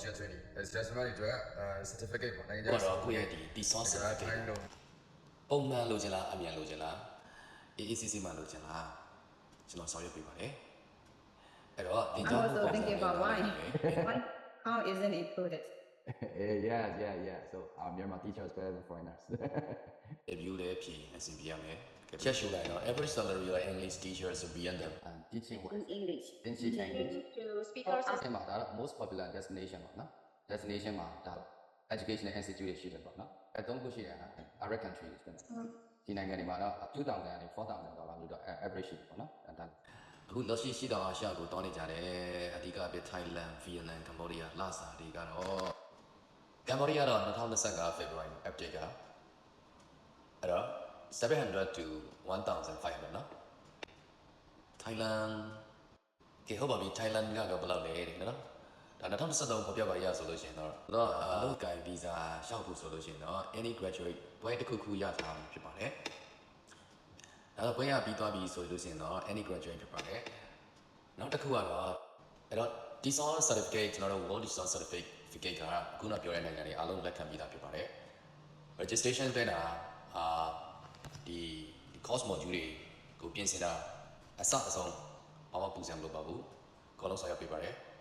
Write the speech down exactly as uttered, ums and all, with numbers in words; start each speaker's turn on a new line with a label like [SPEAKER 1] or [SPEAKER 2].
[SPEAKER 1] teacher training it's just ကျွန်တော်တို့အဲ certificate ပေါ့နိုင်ငံခြား
[SPEAKER 2] တော့ကိုယ့်ရဲ့ဒီဒီ source certificate ပုံမှန်လိုချင်လားအမြန်လိုချင်လား A A C C မှလိုချင်လားကျွန်တော်ဆောင်ရွက်ပေးပါတယ်အဲ့တော့ဒီ
[SPEAKER 3] I'm
[SPEAKER 2] ကြောင့်
[SPEAKER 3] also thinking about why. Why? How isn't it included?
[SPEAKER 4] yeah, yeah, yeah. So our Myanmar teachers better than foreigners.
[SPEAKER 2] review လေးဖြည့်အစီအပြရမယ်ချက်ရှုလိုက်တော့ average salary of English teachers will be under
[SPEAKER 4] and teaching
[SPEAKER 3] In
[SPEAKER 4] wise,
[SPEAKER 3] English.
[SPEAKER 4] teaching English.
[SPEAKER 5] To speakers.
[SPEAKER 4] အဲ့မှာဒါတော့ most popular destination ပေါ့နော် destination မှာဒါ educational institute တွေရှိတယ်ပေါ့နော်အဲ့သုံးခုရှိတယ်ဟာ Arab countries ပဲဒီနိုင်ငံတွေမှာတော့ two thousand ကနေ four thousand ဒေါ်လာလို့တော့ average ရှိတယ်ပေါ့နော်အဲ့ဒါ
[SPEAKER 2] အခုလက်ရှိရှိတော့အာရှကိုတောင်းနေကြတယ်အဓိကပြ Thailand, Vietnam, Cambodia လာစာတွေကတော့ Cambodia တော့twenty twenty-five ဖေဖော်ဝါရီ update ကအဲ့တော့seven hundred to one thousand five hundred နော် Thailand ကဲဟုတ်ပါပြီ Thailand ကတော့ဘယ်လောက်လဲတဲ့နော်ဒါtwenty twenty-threeပေါ်ပြပါရဆိုလို့ရှိရင်တော့တော့အလုပ်ကိုင် visa ရှောက်ဖို့ဆိုလို့ရှိရင်တော့ any graduate ဘွဲတစ်ခုခုရထားမှာဖြစ်ပါတယ်အဲ့တော့ဘွဲရပြီးသွားပြီဆိုလို့ရှိရင်တော့ any graduate ဖြစ်ပါတယ်နောက်တစ်ခုကတော့အဲ့တော့ Design certificate ကျွန်တော်တို့ World Design certificate ကခုနပြောတဲ့နိုင်ငံတွေအားလုံးလက်ခံပြီးသားဖြစ်ပါတယ် registration တဲ့တာအာဒီ course module တွေကိုပြင်ဆင်တာအစအဆုံးဘာမှပူစံမလို့ပါဘူးအကုန်လုံးဆောင်ရွက်ပေးပါတယ်